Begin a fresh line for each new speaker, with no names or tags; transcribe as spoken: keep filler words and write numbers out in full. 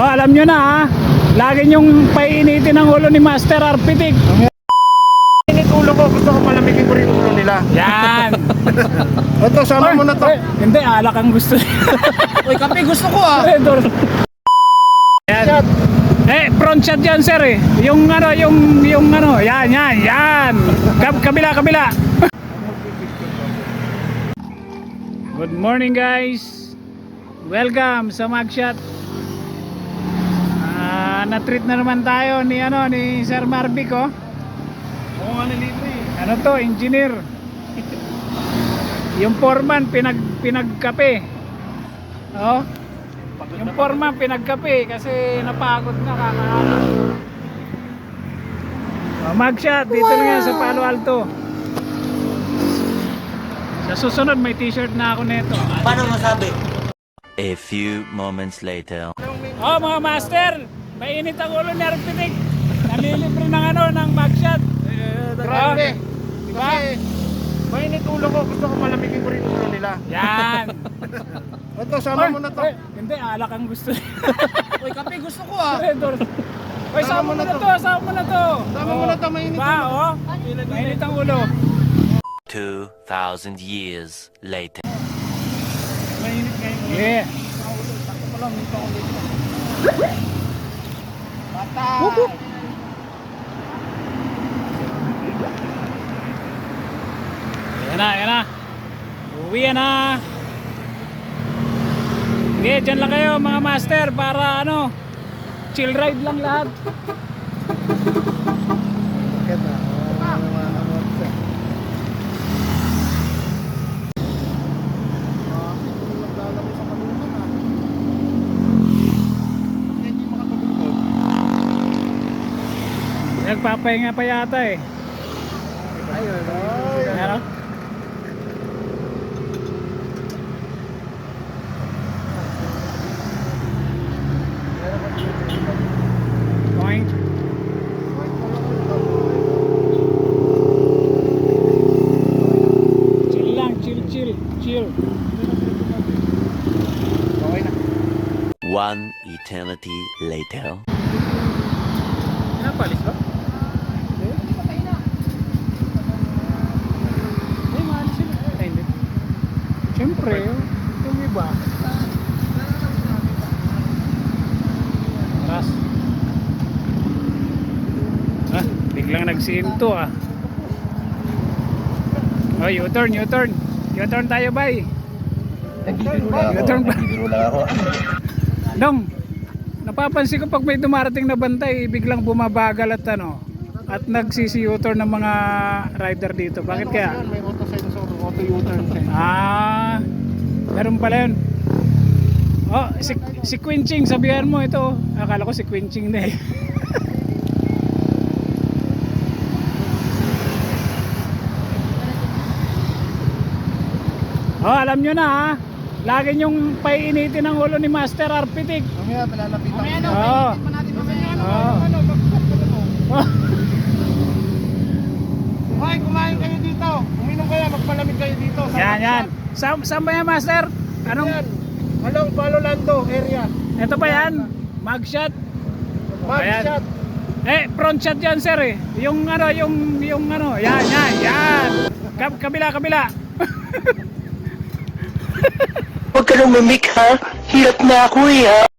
Oh, alam nyo na ha. Lagi nyong painitin ang ulo ni Master Arpitik.
Init ulo ko, gusto ko malamigin ko rin ulo nila.
Yan.
Ito, sama mo na to.
Ay, hindi, alak ang gusto.
Uy, kape gusto ko ah.
Yan. Eh, front shot yan sir eh. Yung ano, yung, yung ano, yan, yan, yan. Kab kabila, kabila. Good morning guys. Welcome sa Magshot. Ah, na-treat na naman tayo ni ano, ni Sir Marvic oh.
Oo nga nilibre.
Ano to, engineer. Yung foreman pinag pinagkape. Oh. Yung foreman pinagkape kasi napagod na kakaano. Oh, Magshot dito wow. Na yan sa Palo Alto. Sa susunod may t-shirt na ako nito.
Paano masabi?
A few moments later.
Oh mga master, mainit ang ulo ni Arpitik. Nalilibre ng ano, ng Magshot.
Grabe.
Diba?
Kasi mainit ulo ko, gusto ko malamigin ko rin ulo nila.
Yan.
Ito, sama mo na to.
Ay, hindi, alak ang gusto.
Uy, kape gusto ko ah.
Uy, sama mo na to, sama mo na to.
Sama mo na to, mainit
diba,
ulo.
oh? Mainit ang ulo.
Two thousand years later.
Mainit ngayon.
Yeah.
Patay.
Yan na, yan na. Uwi na. Okay, dyan lang kayo mga master para ano, chill ride lang lahat.
Ganda.
Nagpapahinga pa yata eh.
Ayun.
Ano? Point. Chill lang, chill, chill, chill.
Okay na.
One eternity later.
Pinapalis ba?
Ay, mahal sila. Ay, hindi. Siyempre, yung iba. Ras. Ah, biglang nagsinto ah. Oh, U-turn, U-turn. U-turn tayo, bay. U-turn ba? Dong, napapansin ko pag may dumarating na bantay, biglang bumabagal at ano, at nagsisi-U-turn ng mga rider dito. Bakit kaya?
May auto sensor, auto U-turn sensor.
Ah, meron pala yun. Oh, si, si Quinching, sabihan mo ito. Akala ko si Quinching na eh. Oh, alam nyo na ha. Lagi nyong painitin ang ulo ni Master Arpitik.
Mamaya, malalapitan. Mamaya, no?
Oo.
Pa natin mamaya.
Oo.
Ano, magpapagod mo.
Oh.
Hoy, kumain kayo dito. Uminom kayo, magpalamig kayo dito. Sa
Yan, yan.
Magshot.
Sa, saan ba yan, Master? Anong?
Yan. Along Palo Alto area.
Ito ba yan? Magshot?
Magshot.
Eh, front shot yan, sir eh. Yung ano, yung, yung ano, yan, yan, yan. Kab kabila, kabila.
Huwag ka nang mamik ha. Hirap na ako eh ha.